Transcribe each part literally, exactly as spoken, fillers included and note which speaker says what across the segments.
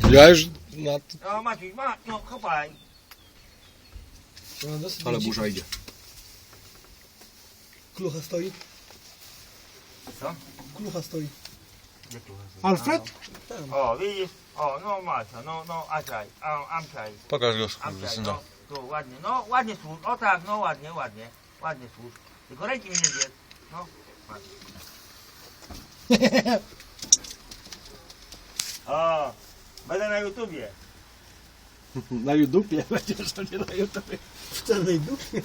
Speaker 1: Ja już na...
Speaker 2: No Maciuś, ma, no kopaj.
Speaker 3: No, dosyć
Speaker 1: Ale
Speaker 3: dziwnie.
Speaker 1: burza idzie.
Speaker 3: Klucha stoi.
Speaker 2: Co?
Speaker 3: Klucha stoi.
Speaker 2: Gdzie tu jest?
Speaker 3: Alfred? Tam.
Speaker 2: O, widzisz? O, no Macia, no, no, Aczaj, a, Amczaj,
Speaker 1: Pokaż go,
Speaker 2: Amczaj,
Speaker 1: syna.
Speaker 2: no, tu ładnie, no, ładnie służ, o tak, no, ładnie, ładnie, ładnie służ. Tylko ręki mi nie zjedz, no, ładnie. O, będę na YouTubie.
Speaker 3: Na YouTubie będziesz, to nie na YouTubie. W czarnej dupie.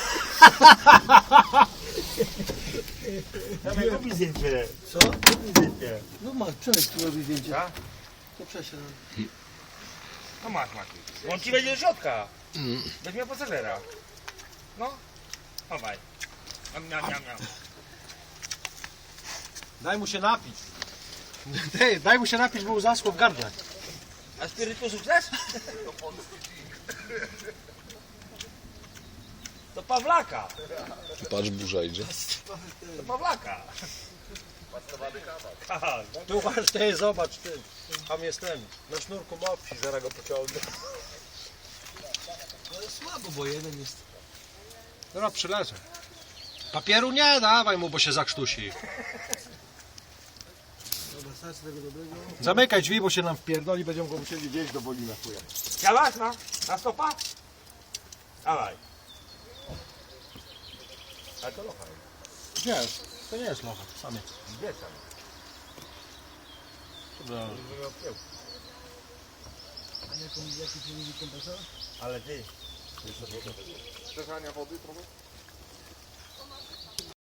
Speaker 2: Dawaj, kupi zdjęcie,
Speaker 3: Co?
Speaker 2: kupi zdjęcie.
Speaker 3: No masz, Przemek tu robi zdjęcie.
Speaker 2: Tak?
Speaker 3: To przesiadł.
Speaker 2: No masz, Maciuś. On ci będzie do środka. Weź mnie pasażera. No, chowaj. Miam, miam, miam, miam.
Speaker 3: Daj mu się napić. Ty, daj mu się napić, bo mu zaschło w gardle.
Speaker 2: A spirytusu chcesz? To Pawlaka.
Speaker 1: Patrz, burza idzie.
Speaker 2: To Pawlaka. Tak,
Speaker 3: Tu masz, ty, zobacz, ty. Tam jest ten. Na sznurku mopsi, zaraz go pociągnę. Ale słabo, bo jeden jest. Dobra, przyleżę. Papieru nie, dawaj mu, bo się zakrztusi. Dobra, stać tego dobrego. Zamykaj drzwi, bo się nam wpierdoli, będziemy go musieli gdzieś do boli na chuja.
Speaker 2: Chciałaś na, na stopa? Dawaj. Ale to locha.
Speaker 3: Nie, to nie jest locha, samiec.
Speaker 2: Gdzie tam?
Speaker 3: Dobra.
Speaker 4: A jaką, jaki tu kompresor?
Speaker 2: Ale ty.
Speaker 5: Przegania wody trochę?